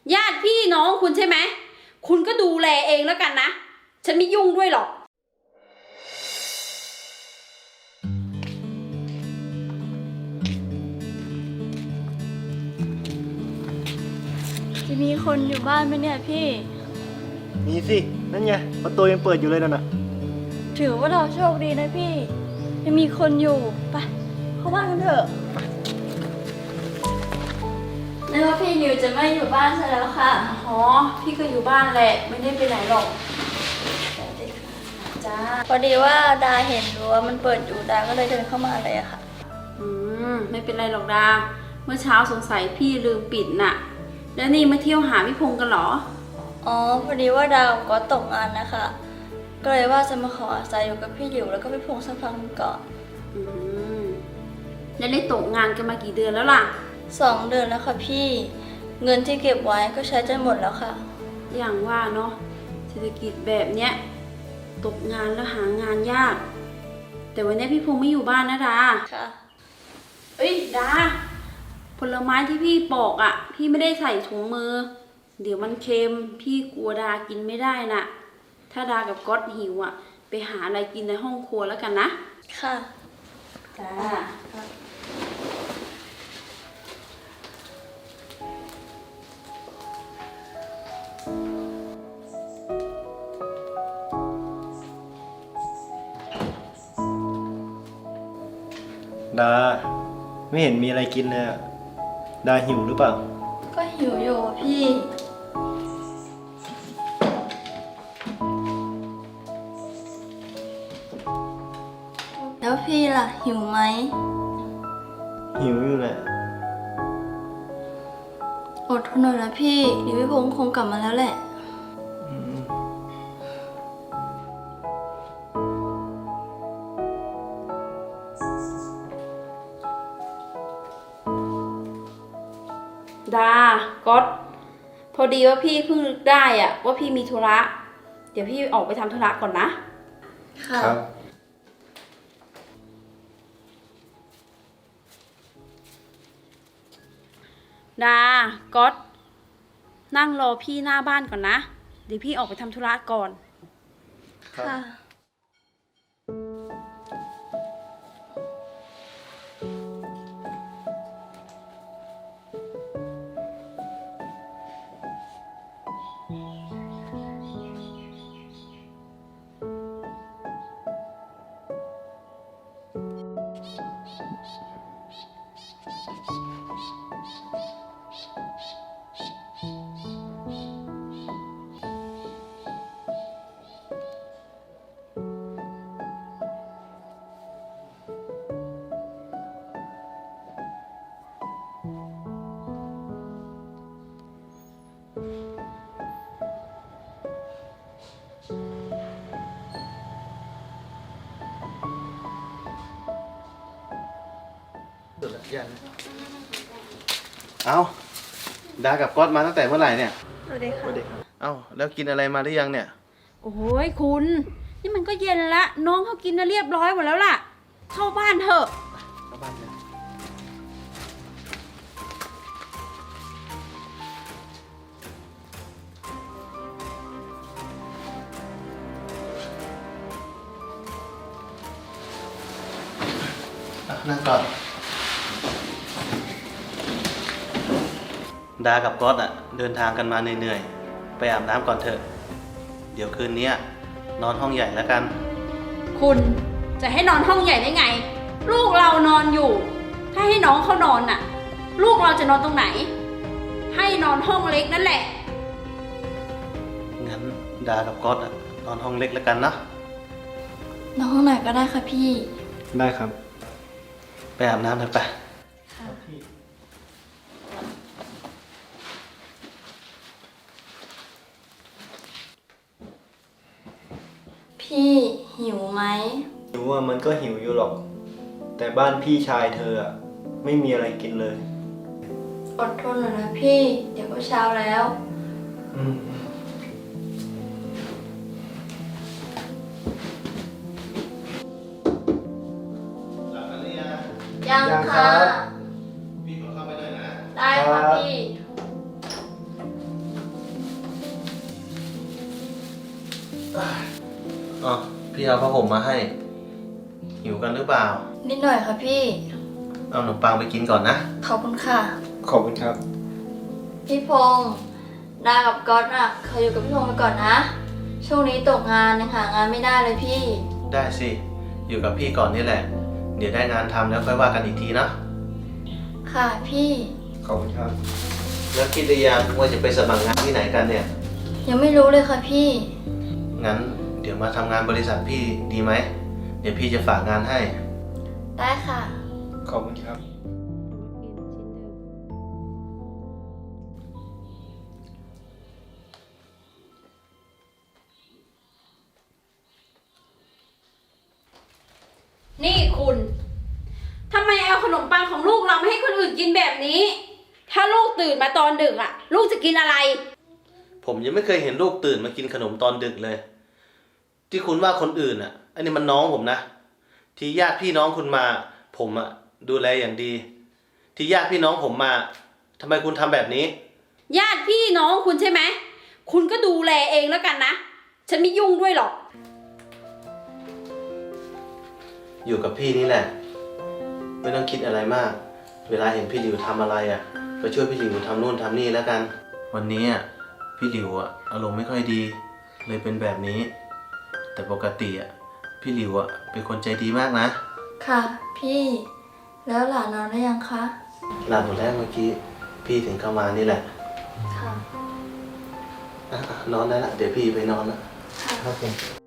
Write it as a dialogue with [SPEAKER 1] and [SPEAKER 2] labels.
[SPEAKER 1] ญาติพี่น้องคุณใช่ไหมคุณก็ดูแลเองแล้วกันนะฉันไม่ยุ่งด้วยหรอก
[SPEAKER 2] จะมีคนอยู่บ้านไหมเนี่ยพี่
[SPEAKER 3] มีสินั่นไงประตูยังเปิดอยู่เลยนั่นน่ะ
[SPEAKER 2] ถือว่าเราโชคดีนะพี่ยังมีคนอยู่ไปเข้าบ้านกันเถอะนึกว่าพี่นิวจะไม่อยู่บ้านซะแล้วค่ะ
[SPEAKER 1] อ๋อพี่ก็อยู่บ้านแหละไม่ได้ไปไหนหรอกจ้า
[SPEAKER 2] พอดีว่าดาเห็นรั้วมันเปิดอยู่ดาก็เลยเดินเข้ามาเลยอะค่ะ
[SPEAKER 1] ไม่เป็นไรหรอกดาเมื่อเช้าสงสัยพี่ลืมปิดน่ะแล้วนี่มาเที่ยวหาพี่พงษ์กันเหรอ
[SPEAKER 2] อ๋อพอดีว่าดาวก็ตกงานนะคะ ก็เลยว่าจะมาขออาศัยอยู่กับพี่หลิวแล้วก็พี่พงษ์สักพักหนึงก่อน
[SPEAKER 1] แล้วได้ตกงานกันมากี่เดือนแล้วล่ะ
[SPEAKER 2] 2 เดือนแล้วค่ะพี่เงินที่เก็บไว้ก็ใช้จนหมดแล้วค่ะ
[SPEAKER 1] อย่างว่าเนาะเศรษฐกิจแบบเนี้ยตกงานแล้วหางานยาก แต่วันนี้พี่พงษ์ไม่อยู่บ้านนะดา
[SPEAKER 2] ค่ะ
[SPEAKER 1] เอ้ยดาผลไม้ที่พี่ปอกอ่ะพี่ไม่ได้ใส่ถุงมือเดี๋ยวมันเค็มพี่กลัวดากินไม่ได้น่ะถ้าดากับก๊อตหิวอ่ะไปหาอะไรกินในห้องครัวแล้วกันนะ
[SPEAKER 2] ค่ะ
[SPEAKER 1] จ้า
[SPEAKER 3] ดาไม่เห็นมีอะไรกินเลยอะดาหิวหรือเปล่า
[SPEAKER 2] ก็หิวอยู่อะพี่ แล้วพี่ล่ะหิวไหม
[SPEAKER 3] หิวอยู่แหละ
[SPEAKER 2] อดทนหน่อยนะพี่เดี๋ยวพี่พงษ์คงกลับมาแล้วแหละ
[SPEAKER 3] อืม
[SPEAKER 1] ดาก๊อตพอดีว่าพี่เพิ่งนึกได้อ่ะว่าพี่มีธุระเดี๋ยวพี่ออกไปทำธุระก่อนนะ
[SPEAKER 2] ค่ะ
[SPEAKER 3] ครับ
[SPEAKER 1] ดาก๊อตนั่งรอพี่หน้าบ้านก่อนนะเดี๋ยวพี่ออกไปทำธุระก่อน
[SPEAKER 3] ครับ
[SPEAKER 2] ค่ะ
[SPEAKER 4] เอาดากับก๊อตมาตั้งแต่เมื่อไหร่เนี่ย
[SPEAKER 2] สวัสดี
[SPEAKER 3] ส
[SPEAKER 2] ค่ะ
[SPEAKER 3] วัสดีครับ
[SPEAKER 4] เอาแล้วกินอะไรมาหรือยังเนี่ย
[SPEAKER 1] โอ้ยคุณนี่มันก็เย็นละน้องเขากินมาเรียบร้อยหมดแล้วล่ะเข้าบ้านเถอะ
[SPEAKER 4] เข้าบ้านเลยนั่งก่อน ดากับก๊อตเดินทางกันมาเหนื่อยๆ ไปอาบน้ำก่อนเถอะ เดี๋ยวคืนนี้นอนห้องใหญ่แล้วกัน
[SPEAKER 1] คุณจะให้นอนห้องใหญ่ได้ไง ลูกเรานอนอยู่ ถ้าให้น้องเขานอนน่ะ ลูกเราจะนอนตรงไหน ให้นอนห้องเล็กนั่นแหละ
[SPEAKER 4] งั้นดากับก๊อตนอนห้องเล็กแล้วกันนะ
[SPEAKER 2] น้องห้องไหนก็ได้ค่ะพี่
[SPEAKER 3] ได้ครับ
[SPEAKER 4] ไปอาบน้ำเถอะไป
[SPEAKER 2] พี่หิวไหม
[SPEAKER 3] หิวอ่ะมันก็หิวอยู่หรอก แต่บ้านพี่ชายเธออ่ะไม่มีอะไรกินเลย
[SPEAKER 2] อดทนหน่อยนะพี่ เดี๋ยวก็เช้าแล้ว
[SPEAKER 3] อืม
[SPEAKER 2] ยังค่ะ
[SPEAKER 4] พี่ขอเข้าไปด้วยนะ
[SPEAKER 2] ได้ค่ะพี่
[SPEAKER 4] อ๋อพี่เอาผ้าห่มมาให้ หิวกันหรือเปล่า
[SPEAKER 2] นิดหน่อยค่ะพี่
[SPEAKER 4] เอาขนมปังไปกินก่อนนะ
[SPEAKER 2] ขอบคุณค่ะ
[SPEAKER 3] ขอบคุณครับ
[SPEAKER 2] พี่พงษ์ดากับก๊อตอ่ะเขาอยู่กับพี่พงษ์ไปก่อนนะ ช่วงนี้ตกงานยังหางานไม่ได้เลยพี่
[SPEAKER 4] ได้สิ อยู่กับพี่ก่อนนี่แหละ เดี๋ยวได้งานทำแล้วค่อยว่ากันอีกทีนะ
[SPEAKER 2] ค่ะพี่
[SPEAKER 3] ขอบคุณครับ
[SPEAKER 4] แล้วคิดหรือยังว่าจะไปสมัครงานที่ไหนกันเนี่ย
[SPEAKER 2] ยังไม่รู้เลยค่ะพี่
[SPEAKER 4] งั้นเดี๋ยวมาทำงานบริษัทพี่ดีไหม เดี๋ยวพี่จะฝากงานให้
[SPEAKER 2] ได้ค่ะ
[SPEAKER 3] ขอบคุณครับ
[SPEAKER 1] นี่คุณทำไมเอาขนมปังของลูกเราไม่ให้คนอื่นกินแบบนี้ ถ้าลูกตื่นมาตอนดึกอ่ะ ลูกจะกินอะไร
[SPEAKER 4] ผมยังไม่เคยเห็นลูกตื่นมากินขนมตอนดึกเลย ที่คุณว่าคนอื่นอ่ะ อันนี้มันน้องผมนะ ที่ญาติพี่น้องคุณมา ผมอ่ะดูแลอย่างดี ที่ญาติพี่น้องผมมาทำไมคุณทำแบบนี้
[SPEAKER 1] ญาติพี่น้องคุณใช่ไหม คุณก็ดูแลเองแล้วกันนะ ฉันไม่ยุ่งด้วยหรอก
[SPEAKER 4] อยู่กับพี่นี่แหละ ไม่ต้องคิดอะไรมาก เวลาเห็นพี่หลิวทำอะไรอ่ะก็ช่วยพี่หลิวทำนู่นทำนี่แล้วกัน วันนี้อ่ะพี่หลิวอ่ะอารมณ์ไม่ค่อยดี เลยเป็นแบบนี้ แต่ปกติอ่ะพี่หลิวอ่ะเป็นคนใจดีมากนะ
[SPEAKER 2] ค่ะ พี่ แล้วหลานนอนได้ยังคะ
[SPEAKER 4] หลับหมดแล้วเมื่อกี้พี่ถึงเข้ามานี่แหละ
[SPEAKER 2] ค่ะ
[SPEAKER 4] อ่ะนอนได้ละเดี๋ยวพี่ไปนอนละ
[SPEAKER 2] ค่ะ
[SPEAKER 3] ครับผม